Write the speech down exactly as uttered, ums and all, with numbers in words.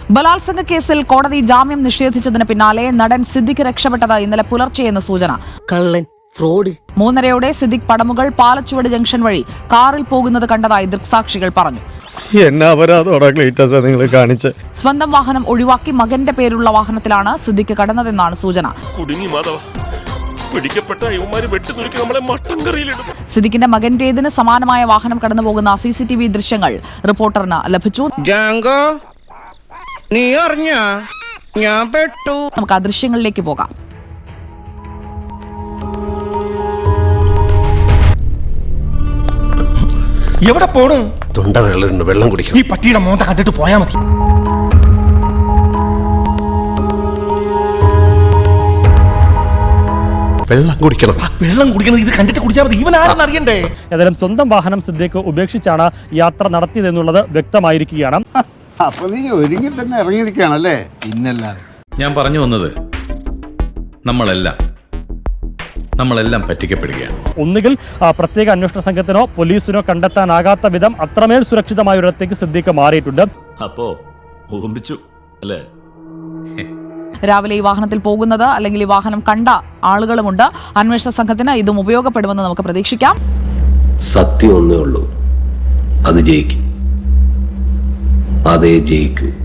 ബലാത്സംഗ കേസിൽ കോടതി ജാമ്യം നിഷേധിച്ചതിന് പിന്നാലെ നടൻ സിദ്ദിഖ് രക്ഷപ്പെട്ടത് ഇന്നലെ പുലർച്ചെയെന്ന് സൂചന. കള്ളൻ, ഫ്രോഡ്. മൂന്നരയോടെ സിദ്ദിഖ് പടമുകൾ പാലച്ചുവട് ജംഗ്ഷൻ വഴി കാറിൽ പോകുന്നത് കണ്ടതായി ദൃക്സാക്ഷികൾ പറഞ്ഞു. സ്വന്തം വാഹനം ഒഴിവാക്കി മകന്റെ പേരുള്ള വാഹനത്തിലാണ് സിദ്ദിഖ് കടന്നതെന്നാണ് സൂചന. സിദ്ദിഖിന്റെ മകന്റേതിന് സമാനമായ വാഹനം കടന്നുപോകുന്ന സി സി ടി വി ദൃശ്യങ്ങൾ റിപ്പോർട്ടറിന് ലഭിച്ചു. നമുക്ക് ആ ദൃശ്യങ്ങളിലേക്ക് പോകാം. എവിടെ പോണു? തൊണ്ട വെള്ളം വെള്ളം കുടിക്കണം. ഈ പട്ടിയുടെ മോന്ത കണ്ടിട്ട് പോയാ മതി. വെള്ളം കുടിക്കണം. വെള്ളം കുടിക്കണം. ഇത് കണ്ടിട്ട് കുടിച്ചാൽ മതി. ഇവൻ ആരെന്ന് അറിയണ്ടേ? ഏതായാലും സ്വന്തം വാഹനം സിദ്ദിഖ് ഉപേക്ഷിച്ചാണ് യാത്ര നടത്തിയതെന്നുള്ളത് വ്യക്തമായിരിക്കുകയാണ്. അപ്പൊ നീ ഒരുങ്ങി തന്നെ ഇറങ്ങിയിരിക്കുകയാണല്ലേ? ഇന്നല്ലാതെ. ഞാൻ പറഞ്ഞു വന്നത് നമ്മളെല്ലാം നമ്മളെല്ലാം പറ്റിക്കപ്പെടുകയാണ്. ഒന്നുകിൽ പ്രത്യേക അന്വേഷണ സംഘത്തിനോ പോലീസിനോ കണ്ടെത്താനാകാത്ത വിധം അത്രമേൽ സുരക്ഷിതമായ ഒരിടത്തേക്ക് സിദ്ദിഖ് മാറിയിട്ടുണ്ട്. അപ്പോ ഊമ്പിച്ചു അല്ലേ? രാവിലെ ഈ വാഹനത്തിൽ പോകുന്നത് അല്ലെങ്കിൽ ഈ വാഹനം കണ്ട ആളുകളുമുണ്ട്. അന്വേഷണ സംഘത്തിന് ഇതും ഉപയോഗപ്പെടുമെന്ന് നമുക്ക് പ്രതീക്ഷിക്കാം. സത്യം ഒന്നേ ഉള്ളൂ, അത് ജയിക്കും. അതേ ജയിക്കൂ.